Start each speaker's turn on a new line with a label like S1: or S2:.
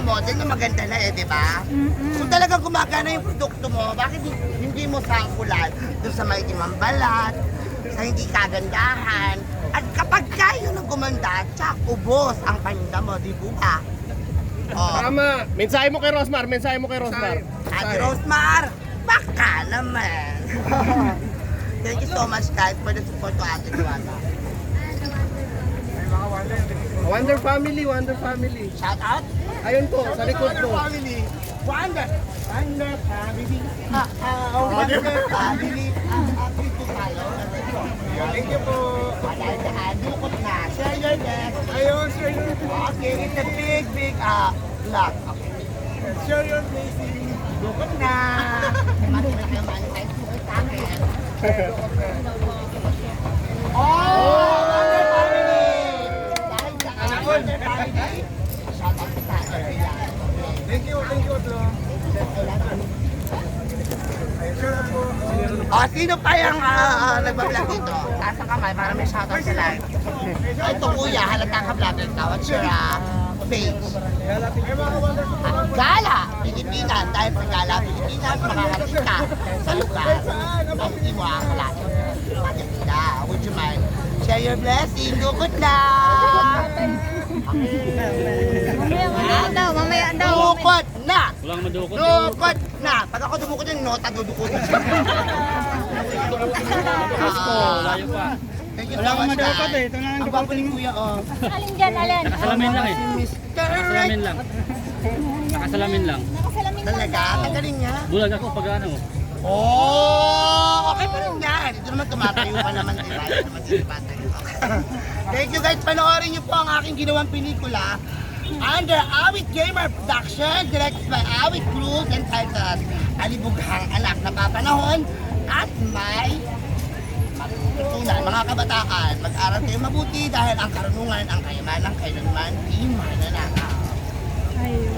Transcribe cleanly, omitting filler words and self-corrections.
S1: model na maganda na di ba? Kung talagang gumagana yung produkto mo, bakit hindi mo sangkulan doon sa may balat, sa hindi kagandahan? At kapag kayo nang gumanda, tsak, ubos ang paninda mo, di ba?
S2: Tama. Mensahe mo kay Rosmar,
S1: Ate Rosmar, baka naman. Thank you so much guys for the support to Ate Joanna.
S2: Wonder Family.
S1: Shout out.
S2: Ayun po, sa likod
S1: Wonder
S2: po.
S1: Family. Wonder Family. Wonder Family. Please to follow.
S2: Thank you po.
S1: Dahil daan, dukot na. Share your next.
S2: Ayun, share your
S1: Okay, it's a big vlog. Okay.
S2: Share your blessing.
S1: Dukot na. Maraming kayo manifest sa akin. Oh! Wonder Family! Dahil daan, Wonder Family. Shout out sa akin.
S2: Thank you, Otlo.
S1: Sino pa yung nagbablog dito? Taas ang kamay para may shoutout sa live. Ito kuya, halata ka vlogger ka. What's your page? Gala, Pilipinas. Dahil sa Gala, Pilipinas, makakarating ka sa lugar na hindi mo akalain. Maganda. Would you mind? Share your blessing. Dukot na!
S3: Mamaya daw.
S1: Dukot na!
S4: Walang madukot.
S1: Dukot na! Pag ako dumukot yung nota, dudukotin siya.
S4: Layo pa.
S1: Thank you so much, guys.
S2: Ito na
S1: Ang gwapo ni Kuya, oh.
S3: Alin dyan, alin?
S4: Nakasalamin lang eh.
S1: Mr.
S4: Nakasalamin lang. Nakasalamin lang.
S3: Nakasalamin lang
S1: Talaga? Ang galing niya.
S4: Bulag ako pag ano.
S1: Oh, okay pa rin yan. Ito naman tumatayo pa naman, di ba? Ito naman sinipatayo. Thank you guys. Panoorin niyo po ang aking ginawang pelikula under Awit Gamer Production, directed by Awit Cruz, entitled Alibughang Anak na Papanahon at may matutunan. Mga kabataan, mag-aral kayo mabuti dahil ang karunungan ang kayamanan kailanman di mananakaw.